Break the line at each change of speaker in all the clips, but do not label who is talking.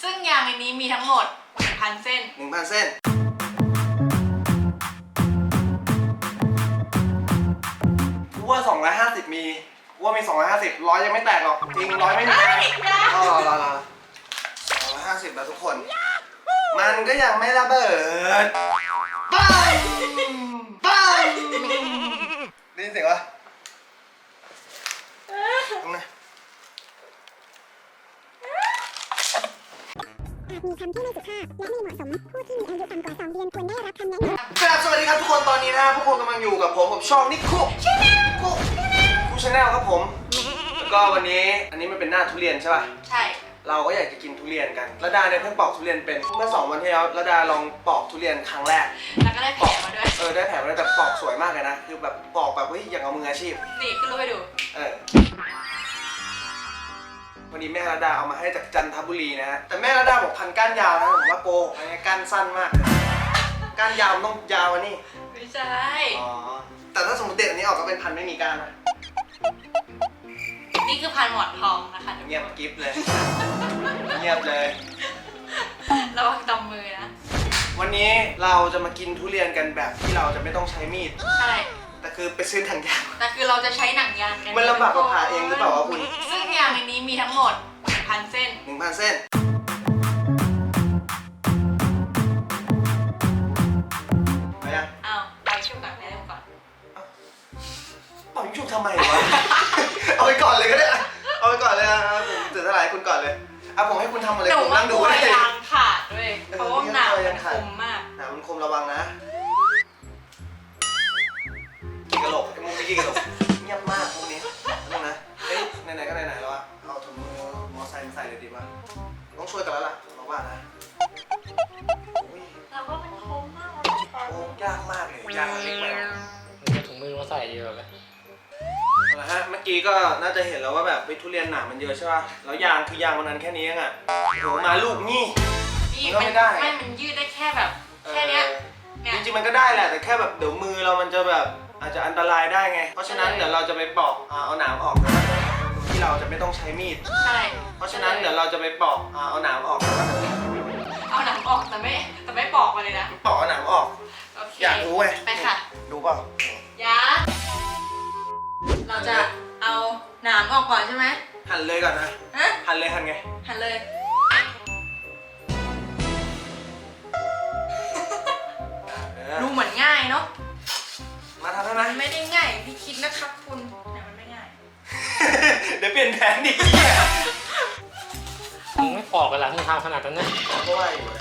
ซึ่งยางในนี้มีทั้งหมด 1,000 เส้น
1,000 เส้นกูว่า250มีกูว่ามี250 100ยังไม่แตกหรอกจริง100ไม่มีรอ250แล้วทุกคนมันก็ยังไม่ระเบิดปังปังได้ยินเสียงวะตรงไหน
มีคำที่ไม่สุภาพและไม่เหมาะสมผู้ที่มีอายุต่ำกว่า2 เดือนควรได้รับคำแนะนำ
ครับสวัสดีครับทุกคนตอนนี้นะพวกคุณกำลังอยู่กับผมช่องนิคุคุชาแนลครับผมแล้วก็วันนี้อันนี้มันเป็นหน้าทุเรียนใช่ป่ะ
ใช่
เราก็อยากจะกินทุเรียนกันระดาเนี่ยเพิ่งปอกทุเรียนเป็นเมื่อ2 วันที่แล้วระดาลองปอกทุเรียนครั้งแรก
แล้วก็ได้แผลมาด้วย
ได้แผลมาด้วยแต่ปอกสวยมากเลยนะคือแบบปอกแบบเฮ้ยอย่างเอามืออาชีพ
นี่ขึ้นรูปให้ดู
วันนี้แม่ระดาเอามาให้จากจันทบุรีนะฮะแต่แม่ระดาบอกพันก้านยาวนะผมว่าโกหกอันนี้ก้านสั้นมากก้านยาวต้องยาวอันนี้
ไม่ใช่
อ๋อแต่ถ้าสมมติเด็ดอันนี้ออกก็เป็นพันไม่มีก้านนะ
นี่คือพันหมอนทองนะคะ
เงียบกิ๊บเลยเงียบเลย
ระวังตำมือนะ
วันนี้เราจะมากินทุเรียนกันแบบที่เราจะไม่ต้องใช้มีด
ใช่
แต่คือไปซื้อถังยาง
แต่คือเราจะใช้หนังยางกัน
มันลำบากกว่าผ่าเองหรือเปล่าวะคุณ
ซึ่งยางในนี้มีทั้งหมด 1,000 เส้น
1,000 เส้นไปยัง
เอาไปชุบก่อนไปเริ่มก่อน
เป่ายิงชุบทำไมวะ เอาไปก่อนเลยก็ได้เอาไปก่อนเลยผมถือเท่าไหร่คุณก่อนเลยผมให้คุณทำอะไรผมนั่งดูได้
ยางขาดด้วยเพราะว่าหนามมันคมมาก
หนามมันคมระวังนะกี่กะโหลกไอ้มุกนี่กี่กะโหลกเงียบมากพวกนี้นั่นนะเฮ้ยไหนๆก็ไหนๆแล้วอะเอาถุงมือมอไซค์มาใส่เลยดีป่ะต้องช่วยกันแล้วล่ะบอกว่านะ
เราก็มันคมมาก
โอ้ยากมากเลยยากเล็กไป
จะถุงมือมาใส่ดีกว่าไหม
เอาละฮะเมื่อกี้ก็น่าจะเห็นแล้วว่าแบบทุเรียนหนามมันเยอะใช่ป่ะแล้วยางคือยางวันนั้นแค่นี้เองอ่ะโหมาลูกนี่
ก็ไม่ได้ไม่มันยืดได้แค่แบบแค่เนี้ย
จริงๆมันก็ได้แหละแต่แค่แบบเดี๋ยวมือเรามันจะแบบอาจจะอันตรายได้ไงเพราะฉะนั้นเดี๋ยวเราจะไปปอกเอาหนามออกที่เราจะไม่ต้องใช้มีด
ใช่
เพราะฉะนั้นเดี๋ยวเราจะไปปอกเอาหนามออก
เอาหนามออกแต่ไม่ปอกมาเลยนะ
ปอกเอาหนามออกอยากรู้ไง
ไปค่ะ
ดูเปล่า
เราจะเอาหนามออกก่อนใช่ไหม
หั่นเลยก่อนนะหั่นเลยหั่นไง
หั่นเลยดูเหมือนง่ายเนาะ
มาทำได้ไหม
ไม่ได้ง่ายพี่คิดนะครับคุณแต่มันไม่ง่าย
เดี๋ยวเปลี่ยนแผนดิ
มึงไม่ปอกกันหรอมึงทำขนาดนั้นนะ
ก็ว่าอยู่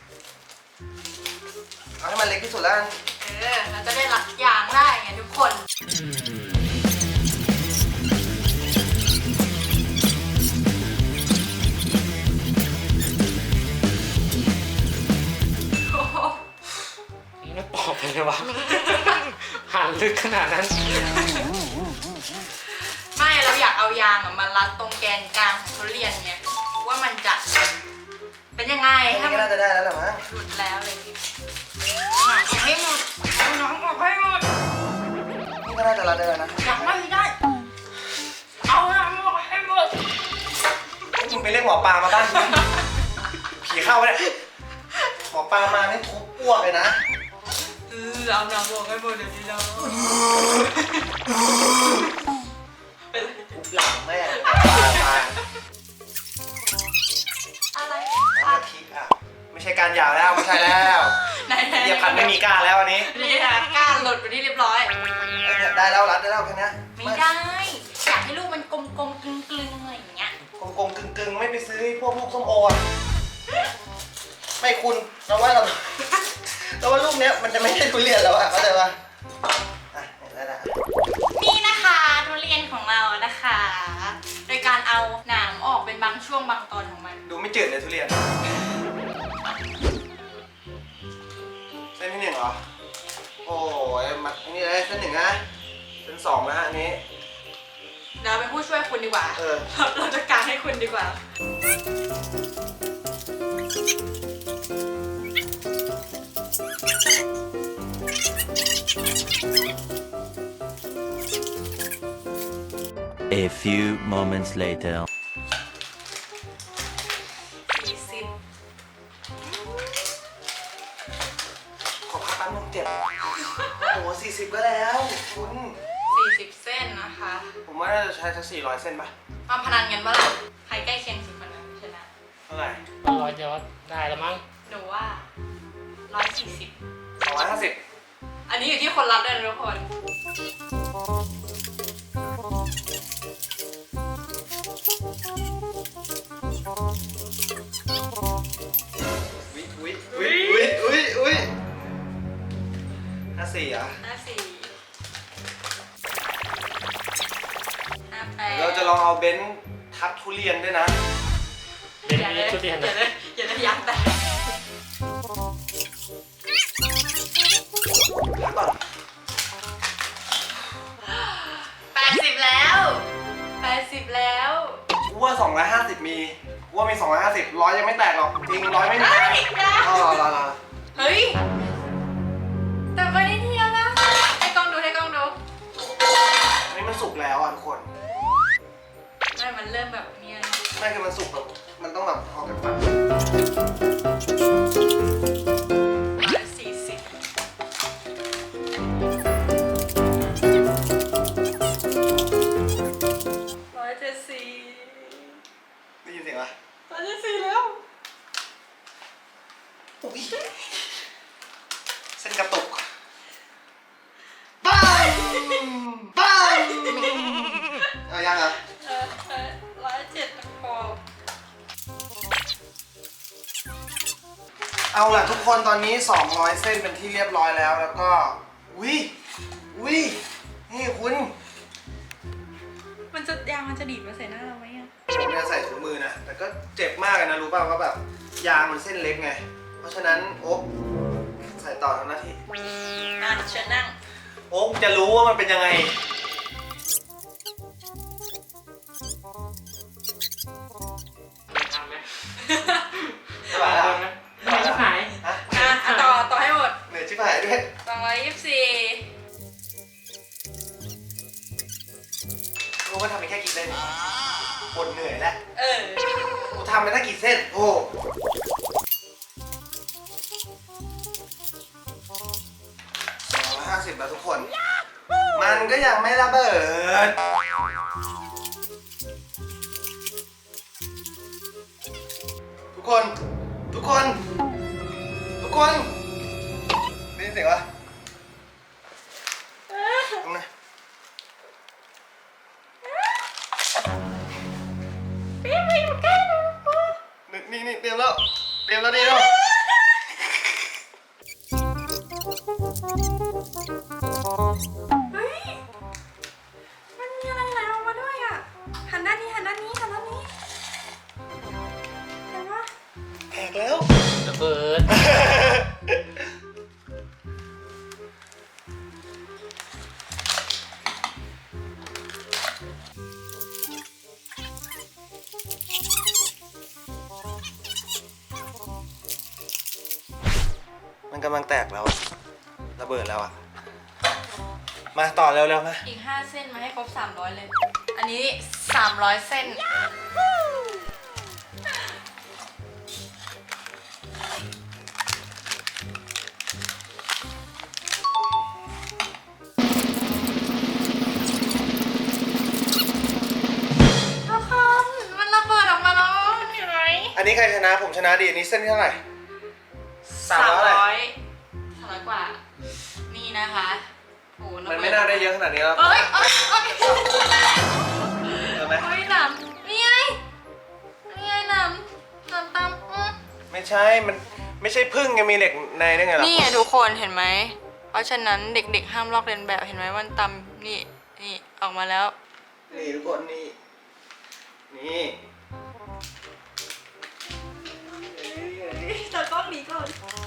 เอาให้มันเล็กที่สุดแล้ว
เราจะได้รัดยางได้ไงทุกคน
ไม่ปอกไปเลยวะหั่นลึกขนาดนั้น
ไม่เราอยากเอายางมารัดตรงแกนกลางของทุเรียนไงว่ามันจะเป็นยังไง
ถ้ามันน่าจะได้แล้วหรอมั้ง
หลุดแล้วเลยให้หมดเอาน้องออกให้หมด
นี่ก็น่าจะรัดได้แล้วนะ
ยังไม่ได้เอาน้องออกให้หมด
มึงไปเรียกหมอปลามาบ้านผีเข้าไปเลยหมอปลามานี่ทุบอ้วกเลยนะ
เอาน้ำลงให้หมดเดี๋ยวนี้เรา
ทุบหลังแม่
อะไร
คิดไม่ใช่การยาวแล้วไม่ใช่แล้วเรียบพันไม่มีก้าแล้วอันนี้
นี่ค่ะก้าหลุดไปที่เรียบร้อย
ได้แล้วรัดได้แล้วแค่นี้
ไม่ได้อยากให้ลูกมันกลมๆกลึงๆอะไรอย่างเงี้ย
กลมๆกึ่งๆไม่ไปซื้อพวกลูกส้มโอไม่คุณเราว่าลูกเนี้ยมันจะไม่ใช่ทุเรียนแล้วเข้าใจป่ะ
นี่นะคะทุเรียนของเรานะคะ โดยการเอาหนามออกเป็นบางช่วงบางตอนของมัน
ดูไม่จืดเลยทุเรียนเส้นที่ 1เหรอโอ้ยมาอันนี้เลยเส้น 1นะเส้น 2นะฮะอันนี้
เราเป็นผู้ช่วยคุณดีกว่าเราจะการให้คุณดีกว่า
A few moments later
40
ขอพักแป๊บนึงเจ็บ โอ้โห40 ก็แล้วคุณ
40 เส้นนะคะ
ผมว่าน่าจะใช้สัก400 เส้นป่ะ
มาพนันกันปะล่ะใครใกล้เคียงสุดคนนั้นชนะ
เท่าไหร่
ร้อยเดียวได้แล้วมั้ง
หนูว่า 140
250
อันนี้อยู่ที่คนรับด้วยนะทุกคน
อุ้ย54อ่ะ
54 58
เราจะลองเอาเบนซ์ทับทุเรียนด้วยนะ
เดี๋ยวนี้ทุเรียน
อย่า
นะ
เลยอย่าเลยยางแตก
พักก่อน
80 แล้ว 80 แล้ว
กูว่า250 มีกูว่ามี250 100ยังไม่แตกหรอก จริง100ไม่มี
เฮ้ยยัง
รอ
เฮ้ย แต่ไม่ได้เทียบนะ ให้กล้องดูให้กล้องดู
อันนี้มันสุกแล้วอ่ะทุกคน
ไม่ มันเริ่มแบบเนี้ย
ไม่คือมันสุกแบบมันต้องแบบออกจากปาก ได้ยินเสียงปะ
174แล้ว
อุ๊ยเส้นกระตุกปังเอายังอ่ะ
107พอ
เอาล่ะทุกคนตอนนี้200 เส้นเป็นที่เรียบร้อยแล้วแล้วก็อุ้ยนี่คุณ
มันจะยางมันจะดีดมาใส่หน้าเราไหมอ่ะ
ผมจะใส่ถุงมือนะแต่ก็เจ็บมากเลยนะรู้ป่าวว่าแบบยางมันเส้นเล็กไงเพราะฉะนั้นโอ๊คใส่ต่อทำหน้าที่
เชิญนั่ง
โอ๊คจะรู้ว่ามันเป็นยังไง
ทำไหม
ใช่ป่ะ
ทำไหมไม่ชิบหาย
ฮะ
ต่อให้หมด
เหนื่อยชิบหายด้วย
224
รู้ว่าทำไปแค่กี่เส้นปวดเหนื่อยแล้ว
เออ
กูทำไปตั้งกี่เส้นโอ้250แล้วทุกคน มันก็ยังไม่ระเบิดทุกคนได้ยินเสียงปะตรงไหนนี่เตรียมแล้วดีแล้ว
เฮ้ย มันมีอะไรไหลออกมาด้วยอ่ะ หันด้านนี้เห็นปะ
แตกแล้ว
ระเบิด
มันกำลังแตกแล้วอะระเบิดแล้วอะมาต่อเร็วๆมา
อีก 5 เส้นมาให้ครบ 300 เลย อันนี้ 300 เส้น ทุกคนมันระเบิดออกมาแล้วเห็นไหม
อันนี้ใครชนะผมชนะดีอันนี้เส้นที่เท่าไหร่300
300 กว่า นี่นะคะโอ้โห
มันไม่น่าได้เยอะขนาดนี้แล้ว
เอ้ย
เจอไหม
เฮ้ยหนำนี่ไงหนำตาม
ไม่ใช่มันไม่ใช่พึ่งไงมีเหล็กในได้ไงล่ะ
นี่ไงทุกคนเห็นไหม เพราะฉะนั้นเด็กๆห้ามลอกเลียนแบบเห็นไหมมันตำนี่ออกมาแล้ว
นี่ทุกคนนี่
แต่กล้องนี้ก่อน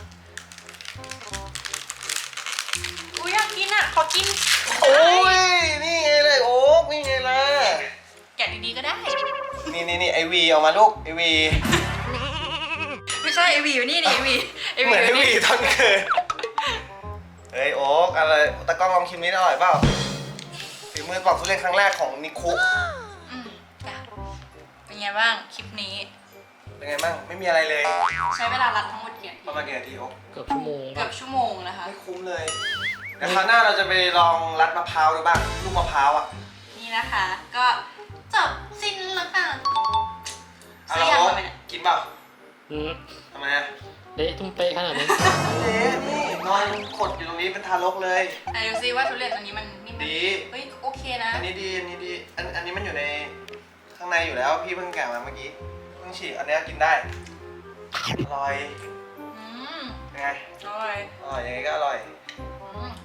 อุ้ยอยากกินอ่ะ ขอกิน
โอ้ยนี่ไงเลยโอ๊กนี่ไงล่ะ
แกะดีๆก็ได้
นี่ไอวีออกมาลูกไอวี
ไม่ใช่ไอวีอยู่นี่ไอวี
เหมือนไอวีตอนเกิดเฮ้ยโอ๊กอะไรตะกล้องลองชิมนี้อร่อยเปล่าฝีมือปอกทุเรียนครั้งแรกของนิคุ
จ้ะเป็นไงบ้างคลิปนี้
เป็นไงบ้างไม่มีอะไรเลย
ใช้เวลารัดทั้งหมดกี่นาที
ประมาณกี่นาทีโอ๊ค
เกือบชั่วโมง
เกือบชั่วโมงนะคะ
ไม่คุ้มเลยเดี๋ยวคราวหน้าเราจะไปลองรัดมะพร้าวดูบ้างลูกมะพร้าวอ่ะ
นี่นะคะ ก็จบสิ้นแล้วค่ะ
เอา
เสี
ละ
ยง
โอ๊ค
มาไหมเนี่ย
กินเปล่า
อืม
ทำไมอ่ะ
เละตุ้มเป๊ะขนาดนี้
เจ๊นี่นอนขดอยู่ตรงนี้เป็นทารกเลย
ไหนดูซิว่าทุเรียนอันนี้มันนิ่มไหม
ดี
เฮ้ยโอเคนะ
อันนี้ดีอันนี้ดีอันนี้มันอยู่ในข้างในอยู่แล้วพี่เพิ่งแกะมาเมื่อกี้เพิ่งฉีกอันเนี้ยกินได้อร่อย
อืม
ยังไง
อร่อย
อร่อยยังไงก็อร่อย
อืม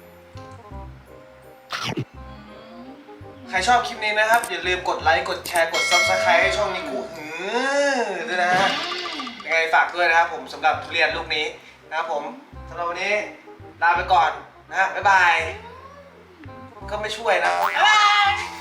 ใครชอบคลิปนี้นะครับอย่าลืมกดไลค์กดแชร์กด Subscribe ให้ช่องนิคุด้วยนะฮะยังไงฝากด้วยนะครับผมสำหรับทุเรียนลูกนี้นะครับผมสำหรับวันนี้ลาไปก่อนนะฮะบ๊ายบายก็ไม่ช่วยนะ
บ๊ายบาย